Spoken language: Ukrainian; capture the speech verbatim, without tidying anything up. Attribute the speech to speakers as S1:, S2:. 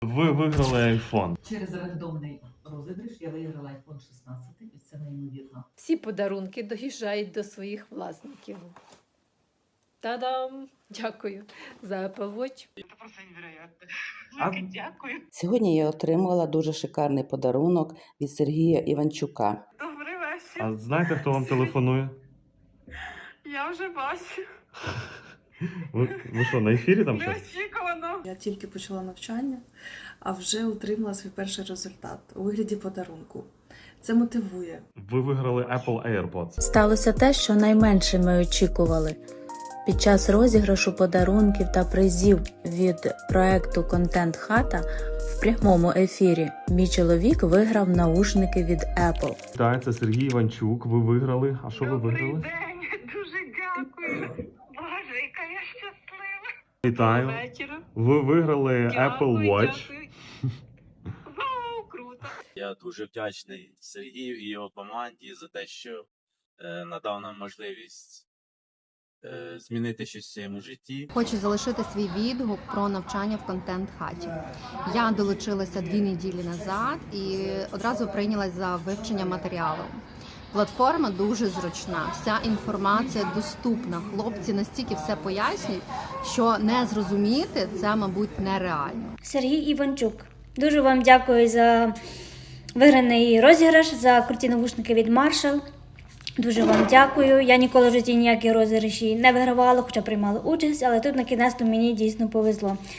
S1: Ви виграли айфон.
S2: Через рандомний розіграш я виграла айфон шістнадцять, і це неймовірно.
S3: Всі подарунки доїжджають до своїх власників. Та-дам! Дякую за Apple Watch.
S4: Це просто невероятно.
S1: А-
S4: Велике дякую.
S5: Сьогодні я отримала дуже шикарний подарунок від Сергія Іванчука.
S4: Добрий вечір.
S1: А знаєте, хто вам телефонує?
S4: Я вже бачу.
S1: Ви, ви що, на ефірі там щось?
S4: Неочікувано.
S6: Я тільки почала навчання, а вже отримала свій перший результат у вигляді подарунку. Це мотивує.
S1: Ви виграли Apple AirPods.
S7: Сталося те, що найменше ми очікували. Під час розіграшу подарунків та призів від проекту «Контент Хата» в прямому ефірі мій чоловік виграв наушники від Apple.
S1: Так, це Сергій Іванчук. Ви виграли. А що ви
S4: Добрий
S1: виграли?
S4: день. Дуже дякую. Боже, яка я щаслива.
S1: Вітаю.
S4: Вечора.
S1: Ви виграли Apple Watch.
S4: Дякую. Вау, круто.
S8: Я дуже вдячний Сергію і його команді за те, що е, надав нам можливість е, змінити щось в своєму житті.
S9: Хочу залишити свій відгук про навчання в контент-хаті. Я долучилася дві неділі назад і одразу прийнялась за вивчення матеріалу. Платформа дуже зручна, вся інформація доступна. Хлопці настільки все пояснюють, що не зрозуміти це, мабуть, нереально.
S10: Сергій Іванчук. Дуже вам дякую за виграний розіграш, за круті навушники від Marshall. Дуже вам дякую. Я ніколи в житті ніякі розіграші не вигравала, хоча приймала участь, але тут на кінець мені дійсно повезло.